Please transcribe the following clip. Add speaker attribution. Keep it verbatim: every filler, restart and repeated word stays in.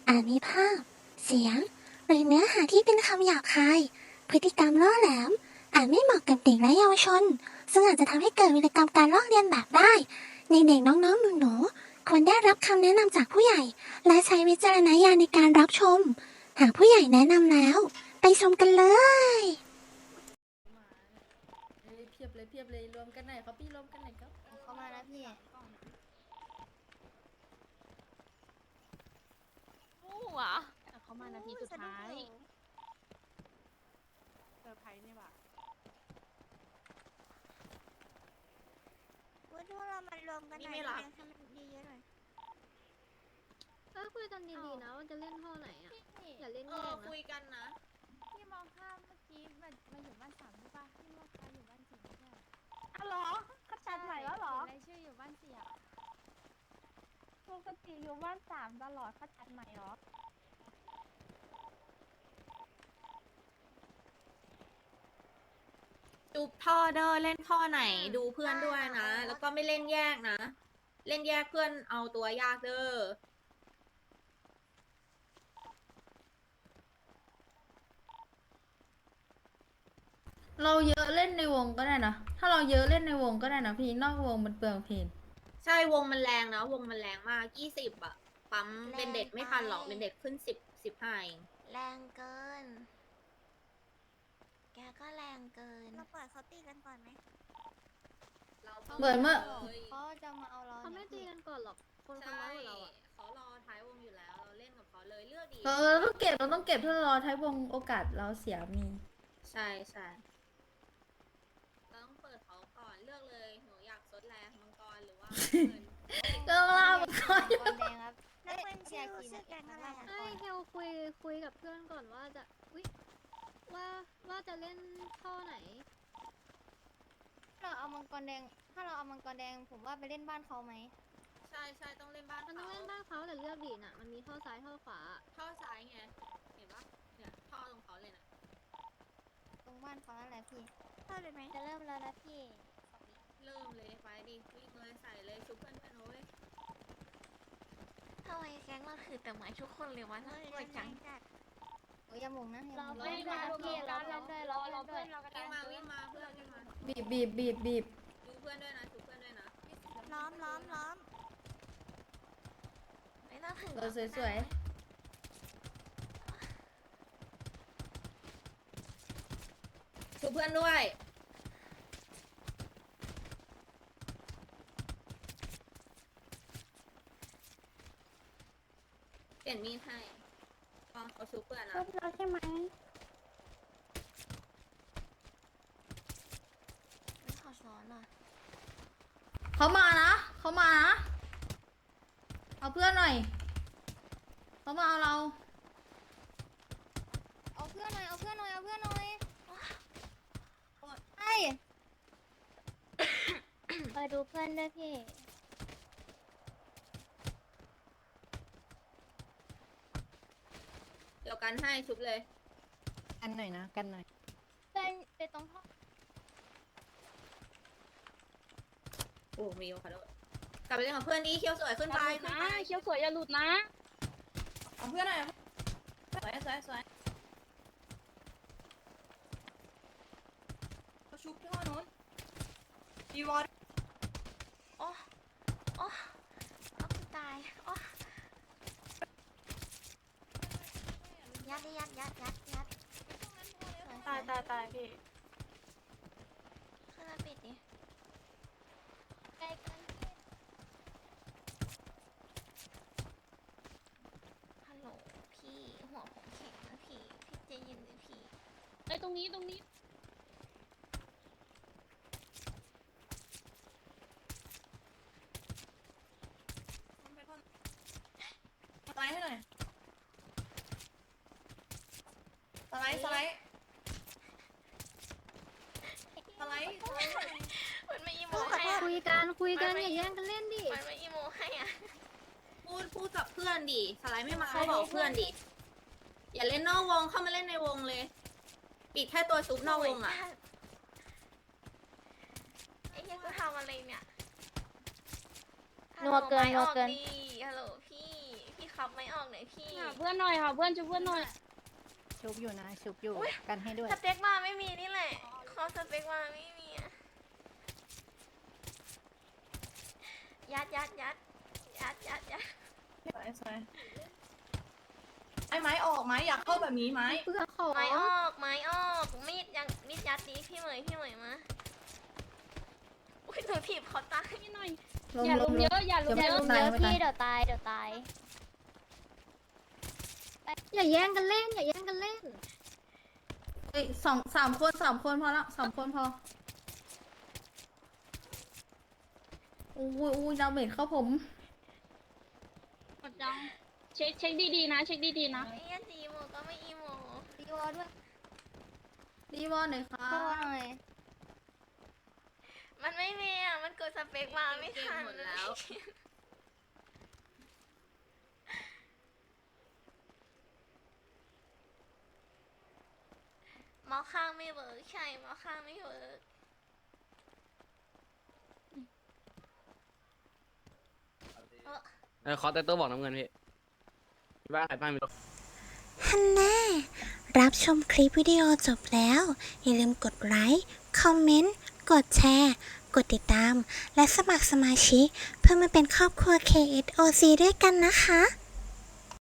Speaker 1: อาจมีภาพ เสียง หรือเนื้อหาที่เป็นคำหยาบคาย พฤติกรรมล่อแหลม อาจไม่เหมาะกับเด็กและเยาวชน ซึ่งอาจจะทำให้เกิดวิกรรมการลอกเลียนแบบได้ ในเด็กน้องๆหนูๆควรได้รับคำแนะนำจากผู้ใหญ่ และใช้วิจารณญาณในการรับชม หากผู้ใหญ่แนะนำแล้ว ไปชมกันเลย
Speaker 2: เอ้ยเพียบเลยเพียบเลยรวมกันไหนอยครับพี่รวมกันไหนอยครับ
Speaker 3: เข้ามาแล้วพี่
Speaker 4: มู่อ่ะ
Speaker 3: เขามานาทีสุดท้าย
Speaker 4: เซอร์ไพรส์เนี่ยว่ะ
Speaker 3: ว่าถ้าเรามารวมกันหน่อยได้ไหมให้มันเยอะๆหน่อย
Speaker 5: ก็คุยกันดีๆนะว่าจะเล่นท่อไหนอ่ะ อย่าเล่น
Speaker 4: เอ
Speaker 5: แย่
Speaker 4: อง
Speaker 5: นะ
Speaker 4: คุยกันนะ
Speaker 6: พี่มองข้ามเมื่อกี้มามาอยู่บ้านสามใช่ปะพี่มองข้ามอยู่บ้านสี่ไม่ใช่เหรอ
Speaker 4: อ๋อเหรอเขาจัดใหม่แล้วเหรอ
Speaker 6: เห็นรายชื่ออยู่บ้านสี่อะปกติอยู่บ้านสามตลอดเขาจัดใหม่เหรอ
Speaker 4: จุบท่อเด้อเล่นท่อไหนดูเพื่อนด้วยนะ แล้วก็ไม่เล่นแยกนะ เล่นแยกเพื่อนเอาตัวยากเด้อ
Speaker 2: เราเยอะเล่นในวงก็ได้นะ ถ้าเราเยอะเล่นในวงก็ได้นะพี่นอกวงมันเปลืองเพลง
Speaker 4: ใช่วงมันแรงนะ วงมันแรงมากยี่สิบอะปั๊มเป็นเด็ดไม่ทันหรอกเป็นเด็ดขึ้นสิบสิบห้าเอง
Speaker 3: แรงเกิน แกก็แรงเกิน เราปล่อยเขาตีกันก่อนไหม
Speaker 2: เหมือนเมื่อ
Speaker 3: เขาจะมาเอาเรา
Speaker 5: เขาไม่ตีกันก่อนหรอก คนเขา
Speaker 4: ใช่
Speaker 5: น้อยกว่าเราอ่ะ
Speaker 4: เขารอท้ายวงอยู่แล้ว เราเล่นกับเขาเลยเลือกดี
Speaker 2: เออเราต้องเก็บเราต้องเก็บถ้าเรารอท้ายวงโอกาสเราเสียมี
Speaker 4: ใช่ใช่เราต้องเปิดเขาก่อนเลือกเลยหนูอยากซดแรงมังกรหรือว่าเงิน
Speaker 2: ก็ล่ามันก็
Speaker 3: บอลแดงครับ แล้วเป็นชื่อชื่อแกงอะไรอะ
Speaker 5: ไอ้เฮลคุยคุยกับเพื่อนก่อนว่าจะอุ๊ยว่าว่าจะเล่นท่อไหน
Speaker 3: เราเอามังกรแดง ถ้าเราเอามังกรแดง ผมว่าไปเล่นบ้านเขาไหม
Speaker 4: ใช่ใช่ต้องเล่นบ้าน
Speaker 5: มันต้อ
Speaker 4: เขา
Speaker 5: งเล่นบ้านเขาแต่เลือกดีน่ะ มันมีท่อซ้ายท่อขวา
Speaker 4: ท่อซ้ายไงเห็นปะเนี่ยท่อตรงเขาเลยนะ
Speaker 3: ตรงบ้านเขานั่นแหละพี่เข้าเลยไหมจะเริ่มแล้วนะพี่
Speaker 4: เริ่มเลยไปดิวิ่งเลยใส่เลยชุบเพื่อนเพื่อนโอ้ย
Speaker 3: ทำไมแก๊งเราถือแต่ไม้ทุกคนเลยวะน่ากลัวจังโอ้ยอย่ามงนะอย่ามง
Speaker 6: เล่นด้วยนะพี่เราเล่นด้วยเราเล่นด้วย
Speaker 4: วิ่งมาวิ่งมาเพื่อนวิ่งมา
Speaker 2: บีบบีบบีบบีบ
Speaker 4: ดูเพื่อนด้วยนะชุบเพื่อนด้วยนะ
Speaker 3: ล้อมล้อมล้อมไม่ต้องถึง
Speaker 2: เราสวย
Speaker 4: ชุบเพื่อนด้วยเปลี่ยนมีดให้ลองเขาชุบเพื่อนนะ
Speaker 6: เราใช่ไหม
Speaker 3: ไม่ขอซ้อนหน่อย
Speaker 2: ๆเขามานะเขามานะเอาเพื่อนหน่อยเขามาเอาเรา
Speaker 3: เอาเพื่อนหน่อย เอาเพื่อนหน่อย เอาเพื่อนหน่อยไอ้
Speaker 6: ไปดูเพื่อนด้วยพี่
Speaker 4: เดี๋ยวกันให้ชุบเลย
Speaker 2: กันหน่อยนะกันหน่อย
Speaker 6: เล่นไปตรงท่อ
Speaker 4: โอ้มีโอคาโดกลับไปเล่นกับเพื่อนดีเคียวสวยขึ้นไปขึ้นไป
Speaker 6: เคี้ยวสวยอย่าหลุดนะ
Speaker 4: เอาเพื่อนหน่อยสวยสวยสวยเขาชุบที่ห้องนู้นดีวอร์
Speaker 3: โอ้โอ้เอากูตายโอ้ยัดดิยัดยัดยัดยัด
Speaker 4: ตายตายตายพี่
Speaker 3: ขึ้นมาปิดดิ
Speaker 6: ใกล้กัน
Speaker 3: ฮัลโหลพี่หัวผมแข็งนะพี่ พี่ใจเย็นเลยพี่
Speaker 6: ไอ้ตรงนี้ตรงนี้
Speaker 4: สไลด์ให้หน่อยสไลด์สไลด์สไลด์
Speaker 3: มันไม่อีโมให้อะ
Speaker 5: คุยกันคุยกันอย่าแย่งกันเล่นดิ
Speaker 3: มันไม่อีโมให้อะ
Speaker 4: พูดพูดกับเพื่อนดิสไลด์ไม่มาก็บอกเพื่อนดิอย่าเล่นนอกวงเข้ามาเล่นในวงเลย ปิดแค่ตัวชุบนอกวงอ่ะ
Speaker 3: ไอ้เหี้ยกูทำอะไรเนี่ย
Speaker 6: นัวเกินนัวเกิน
Speaker 3: ฮัลโหลพี่ พี่
Speaker 7: ขับไม่ออกไหนพี่
Speaker 6: หาเพื่อนหน่อยค่ะเพื่อนช่วยเพื่อนหน่อย
Speaker 8: ชุบอยู่นะ ชุบอยู่ กันให้ด้วย
Speaker 7: สเต็กมาไม่มีนี่แหละขอสเต็กมาไม่มีอะยัดยัดยัดยัดยัดยัด
Speaker 4: ไอ้ไม้ออกไหมอยากเข้าแบบนี้ไหม
Speaker 5: เพื่อนขอ
Speaker 7: ไม้ออกไม้ออกมีดยังมีดยัดดีพี่เหมยพี่เหมยมาอุ้ยหนูถีบเขาตายหน่อย
Speaker 6: อย่าลุมเยอะอย่าลุม
Speaker 3: อย่า
Speaker 6: เย
Speaker 3: ลุ
Speaker 6: อะ
Speaker 3: มเยอะพี่เดี๋ยวตายเดี๋ยวตาย
Speaker 5: อย่าแย่งกันเล่น อย่าแย่งกันเล่น
Speaker 2: เอ้ยสองสามคนสามคนพอละสามคนพออู้ยอู้ยดาเมจเข้าผม
Speaker 6: กดจังเช็คเช็คดีๆนะ เช็คดีๆนะ
Speaker 7: ไอ้ยันจีโมก็ไม่อีโม
Speaker 3: ดีวอด้วย
Speaker 2: ดีวอลหน่อยค่ะ
Speaker 3: ดีวอหน่อย
Speaker 7: มันไม่มีอ่ะมันกดสเปคมาไม่ทัน
Speaker 4: หมดแล้ว
Speaker 7: หมอข้างไม่เวิร์กใช่หมอข้างไม่เวิร์ก
Speaker 9: เออขอแต่ตัวบอกน้ำเงินพี่พี่บ้านใครบ้านมีตัว
Speaker 1: ฮันแน่รับชมคลิปวิดีโอจบแล้ว อย่าลืมกดไลค์ คอมเมนต์ กดแชร์ กดติดตาม และสมัครสมาชิก เพื่อมาเป็นครอบครัว เค เอส โอ ซี ด้วยกันนะคะ